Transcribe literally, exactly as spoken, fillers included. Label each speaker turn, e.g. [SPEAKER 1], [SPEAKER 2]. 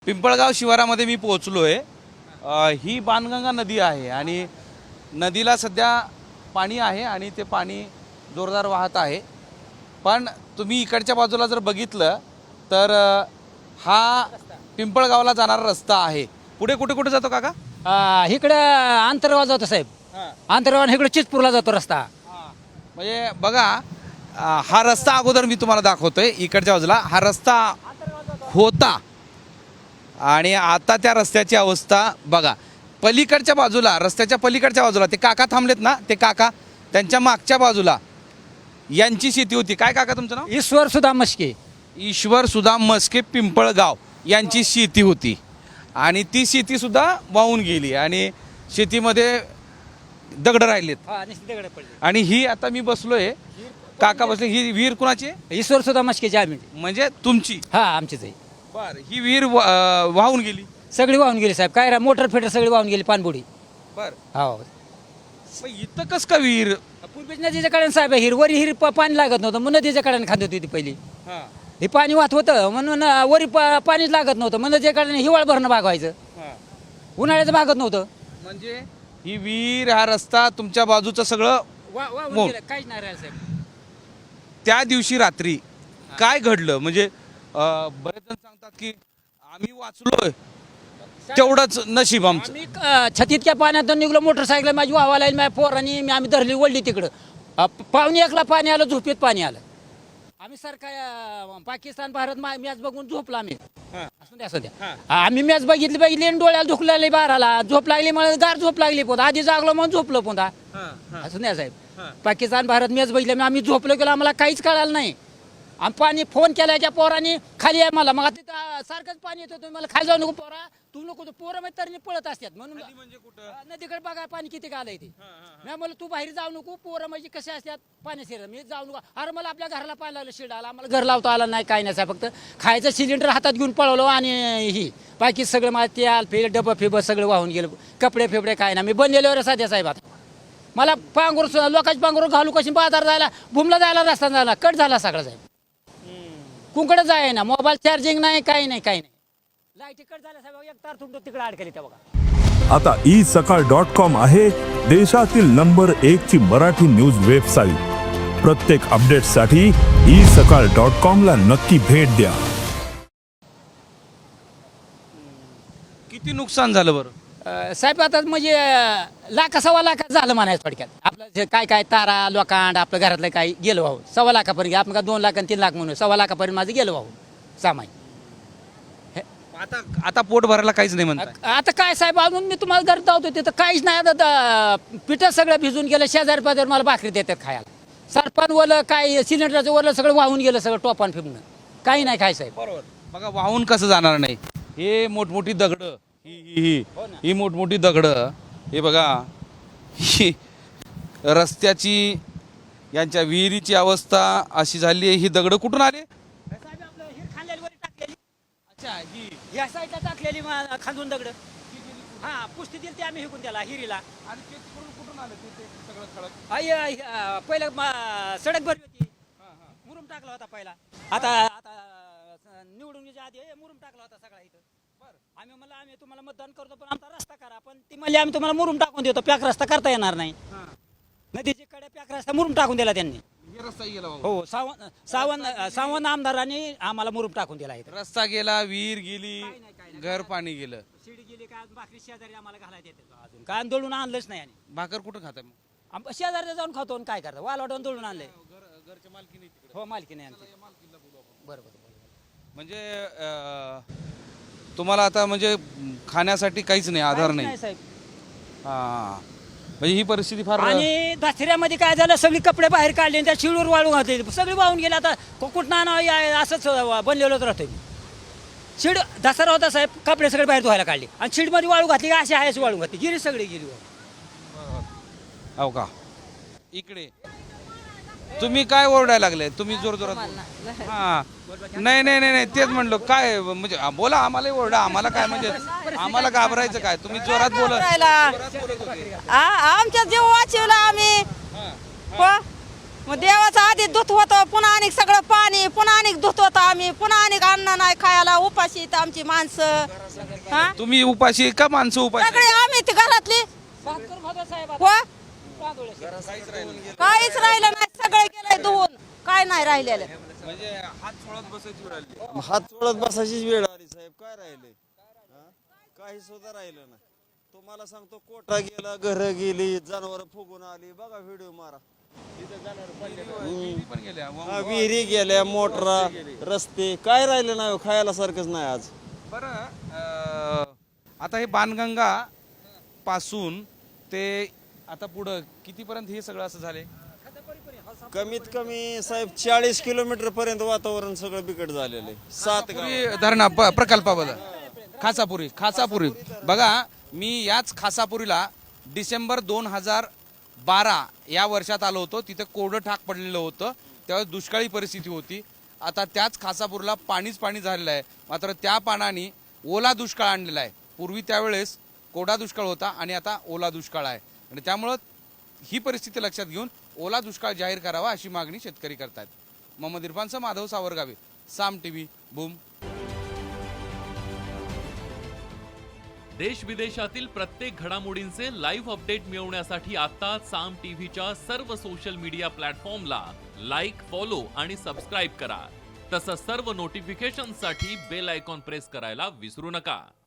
[SPEAKER 1] पिंपळगाव शिवारामध्ये मी पोहोचलो आहे। ही बाणगंगा नदी आहे आणि नदीला सध्या पाणी आहे आणि ते पाणी जोरदार वाहत आहे। पण तुम्ही इकडच्या बाजूला जर बघितलं तर हा पिंपळगावला जाणारा रस्ता आहे। पुढे कुठे कुठे जातो काका?
[SPEAKER 2] इकडे आंतरगाव जातो साहेब, आंतरगाव इकडे चितपूरला जातो रस्ता।
[SPEAKER 1] म्हणजे बघा, हा रस्ता अगोदर मी तुम्हाला दाखवतोय। इकडच्या बाजूला हा रस्ता होता आणि आता त्या रस्त्याची अवस्था बघा। पलीकडच्या बाजूला, रस्त्याच्या पलीकडच्या बाजूला ते काका थांबलेत ना, ते काका, त्यांच्या मागच्या बाजूला यांची शेती होती। काय काका तुमचं नाव?
[SPEAKER 2] ईश्वर सुदाम मस्के।
[SPEAKER 1] ईश्वर सुदाम मस्के पिंपळगाव यांची शेती होती आणि ती शेती सुद्धा वाहून गेली आणि शेतीमध्ये दगड राहिलेत आणि ही आता मी बसलोय, काका बसले। ही विहीर कुणाची आहे?
[SPEAKER 2] ईश्वर सुदाम मस्केची आम्ही,
[SPEAKER 1] म्हणजे तुमची?
[SPEAKER 2] हा आमचीच आहे।
[SPEAKER 1] बर, ही विहीर वाहून गेली?
[SPEAKER 2] सगळी वाहून गेली साहेब, काय मोटर फेटर सगळी वाहून गेली, पाणबुडी।
[SPEAKER 1] बर,
[SPEAKER 2] हो
[SPEAKER 1] इथं कस का विहीर?
[SPEAKER 2] पूर्वीच नदीच्या कडेने साहेब हिर, वरी हिर पाणी लागत नव्हतं, मग नदीच्या कडेने खात होती ती पहिली। हे पाणी वाहत होतं म्हणून वरी पाणीच लागत नव्हतं, मग नदीच्या कडेने हिवाळ भरणं भागवायचं, उन्हाळ्याचं भागत नव्हतं।
[SPEAKER 1] म्हणजे ही विहीर, हा रस्ता तुमच्या बाजूचं सगळं
[SPEAKER 2] काहीच नाही राहिलं साहेब।
[SPEAKER 1] त्या दिवशी रात्री काय घडलं? म्हणजे बरेच जण सांगतात की आम्ही वाचलोय, तेवढंच नशीब आमचं।
[SPEAKER 2] मी छतीतल्या पाण्यातून निघलो, मोटरसायकल माझी वाहवायला माझ्या पोरांनी आम्ही धरली, वळली तिकडं। पावणे एकला पाणी आलं, झोपेत पाणी आलं। आम्ही सारखा पाकिस्तान भारत मॅच बघून झोपला आम्ही। असू द्या असू द्या, आम्ही मॅच बघितली बघितली आणि डोळ्याला दुख लागली, बाराला झोप लागली, मला गार झोप लागली, पोता आधी जागलो म्हणून झोपलो पोता। असू द्या साहेब, पाकिस्तान भारत मॅच बघितली, आम्ही झोपलो गेलो, आम्हाला काहीच कळालं नाही। आम्ही पाणी फोन केला, त्या पोरांनी खाली आहे मला, मग तिथं सारखंच पाणी येतं, तुम्ही मला खाली जाऊ नको पोरा, तू नको, पोरं मग तरी पळत असतात म्हणून।
[SPEAKER 1] म्हणजे कुठं
[SPEAKER 2] नदीकडे बघा पाणी किती आलंय ते। मी म्हणलं तू बाहेर जाऊ नको, पोरं म्हणजे कसे असतात पाणी शिरत, मी जाऊ नको। अरे मला आपल्या घराला पाणी लागलं, शिड आला, आम्हाला घर लावता आला नाही, काय नाही, फक्त खायचं सिलेंडर हातात घेऊन पळवलो आणि ही बाकी सगळं मला तेल फेल डबं फेब सगळं वाहून गेलं, कपडे फेबडे काय नाही। मी बनलेल्यावर साध्या साहेब, आता मला पांघरूर, लोकांची पांघरूर घालू कशी, बाजार जायला, भूमला जायला रस्ता झाला, कट झाला सगळा साहेब। कुंकडे जाय ना, मोबाईल चार्जिंग नाही, काही नाही, काही नाही, लाईट कट झाल्या साहेब, एक तार तुमचं तिकडे अडकली त्या बघा।
[SPEAKER 3] आता ई सकाळ डॉट कॉम आहे देशातील नंबर एक ची मराठी न्यूज वेबसाईट। प्रत्येक अपडेटसाठी ई सकाळ डॉट कॉम ला नक्की भेट द्या।
[SPEAKER 1] किती नुकसान झालं बरं
[SPEAKER 2] साहेब? आता म्हणजे लाखा सव्वा लाखात झालं म्हणायचं थोडक्यात। आपलं जे काय काय तारा लोकांड आपलं घरातलं काही गेलं वाहून, सव्वा लाखापर्यंत, आपण का दोन लाख आणि तीन लाख म्हणून सव्वा लाखापर्यंत माझं गेलं वाहून सामान।
[SPEAKER 1] आता आता पोट भरायला काहीच नाही म्हणतात।
[SPEAKER 2] आता काय साहेब, अजून मी तुम्हाला घर धावतो तिथं काहीच नाही। आता पिठं सगळं भिजून गेलं, शेजारी पाजारी मला भाकरी देतात खायला, सरपण वलं काय सिलेंडरचं वरलं सगळं वाहून गेलं, सगळं टोपान फिरणं, काही नाही काय साहेब।
[SPEAKER 1] बरोबर, बघा वाहून कसं जाणार नाही, हे मोठमोठी दगड, ही ही ही ही मोठमोठी दगड, हे बघा, ही रस्त्याची, यांच्या विहिरीची अवस्था अशी झाली आहे। ही दगड कुठून आले?
[SPEAKER 2] अच्छा, ही या साईडला टाकलेली खांदून दगड, हा पुष्टी दिली ती आम्ही हिकून त्याला हिरीला।
[SPEAKER 1] आणि ते तिकडून कुठून आलं ते सगळं खडक?
[SPEAKER 2] आई पहिलं सडक भरली होती, मुरुम टाकला होता पहिला, आता आता निवडून आधी मुरुम टाकला होता सगळा इथं। बरं, आम्ही म्हणलं आम्ही तुम्हाला मतदान करतो पण आमचा रस्ता करा, पण ती म्हणली आम्ही तुम्हाला मुरुम टाकून देतो, पॅक रस्ता करता येणार नाही। नदीच्या कडे पॅक रस्ता मुरुम टाकून दिला त्यांनी।
[SPEAKER 1] रस्ता गेला
[SPEAKER 2] हो, सावंत सावंत सावंत आमदारांनी आम्हाला मुरुम टाकून दिला इथं।
[SPEAKER 1] रस्ता गेला, विहीर गेली, घर पाणी गेलं,
[SPEAKER 2] शिडी गेली, काय भाकरी शेजारी आम्हाला घालायला येते अजून, काय दळून आणलंच नाही। आणि
[SPEAKER 1] भाकर कुठं खाताय मग?
[SPEAKER 2] शेजारी जाऊन खातो, काय करतो, वालवाटून दळून आणलंय।
[SPEAKER 1] घरच्या मालकीने तिकडे?
[SPEAKER 2] हो, मालकीने आणते। बरोबर,
[SPEAKER 1] म्हणजे तुम्हाला आता म्हणजे खाण्यासाठी काहीच नाही, आधार नाही
[SPEAKER 2] साहेब।
[SPEAKER 1] हा, म्हणजे ही परिस्थिती फार।
[SPEAKER 2] आणि दसऱ्यामध्ये काय झालं, सगळी कपडे बाहेर काढले आणि त्या शिडवर वाळून घातले, सगळी वाहून गेले। आता कुठं असंच बनलेलोच राहतोय मी। शिड दसरा होता साहेब, कपडे सगळे बाहेर धुवायला काढले आणि शिडमध्ये वाळू घातली, अशी आहे वाळू घातली, गिरी सगळी गेली।
[SPEAKER 1] हो का? इकडे तुम्ही काय ओरडायला लागले? तुम्ही जोर जोरात? हा, नाही नाही नाही तेच म्हणलो, काय म्हणजे बोला, आम्हाला ओरडा, आम्हाला काय म्हणजे आम्हाला घाबरायचं काय? तुम्ही जोरात बोला।
[SPEAKER 4] आमच्या जीव वाचवला आम्ही, मग देवाचं आधी धुत होतं, पुन्हा आणि सगळं पाणी, पुन्हा आणि धुत होतं आम्ही, पुन्हा आणि अन्न नाही खायला, उपाशी आहेत आमची माणसं. हा
[SPEAKER 1] तुम्ही उपाशी का माणसं उपाशी?
[SPEAKER 4] सगळे आम्ही ती घरातली हो काहीच राहिलं नाही, सगळं गेलंय धुवून, काय नाही राहिलेलं.
[SPEAKER 1] म्हणजे हात सोडत बसायची वेळ आली.
[SPEAKER 5] हात चोळत बसायचीच वेळ आली साहेब. काय राहिले? हा? काही सुद्धा राहिलं नाही. तुम्हाला सांगतो, कोटा गेला, घर गेली, जनावर फुगून आली. बघा व्हिडिओ मारा.
[SPEAKER 1] विहिरी पण गेल्या.
[SPEAKER 5] हा, विहिरी गेल्या, मोटरा, रस्ते, काय राहिलं नाही. खायला सारखंच नाही आज.
[SPEAKER 1] बरं अं, आता हे बाणगंगा पासून ते आता पुढं कितीपर्यंत हे सगळं असं झाले?
[SPEAKER 5] कमीत कमी साहेब चाळीस किलोमीटर पर्यंत वातावरण सगळं बिकट झालेलं आहे. सात गाव.
[SPEAKER 1] पुरी धरणा प- प्रकल्पाबद्दल खासापुरी खासापुरी बघा, मी याच खासापुरीला डिसेंबर दोन हजार बारा या वर्षात आलो होतो. तिथे कोरडं ठाक पडलेलं होतं, त्यावेळेस दुष्काळी परिस्थिती होती. आता त्याच खासापूरला पाणीच पाणी झालेलं आहे. मात्र त्या पाण्याने ओला दुष्काळ आणलेला आहे. पूर्वी त्यावेळेस कोरडा दुष्काळ होता आणि आता ओला दुष्काळ आहे. आणि त्यामुळं ही परिस्थिती लक्षात घेऊन ओला दुष्काळ जाहीर करावा अशी मागणी शेतकरी करतात. मोहम्मद इरफानसह माधव सावरगावे, साम टीव्ही, बूम.
[SPEAKER 6] देश विदेशातील प्रत्येक घडामोडींचे लाईव्ह अपडेट मिळवण्यासाठी आता साम टीव्हीच्या सर्व सोशल मीडिया प्लॅटफॉर्मला लाईक, फॉलो आणि सबस्क्राईब करा. तसंच सर्व नोटिफिकेशनसाठी बेल आयकॉन प्रेस करायला विसरू नका.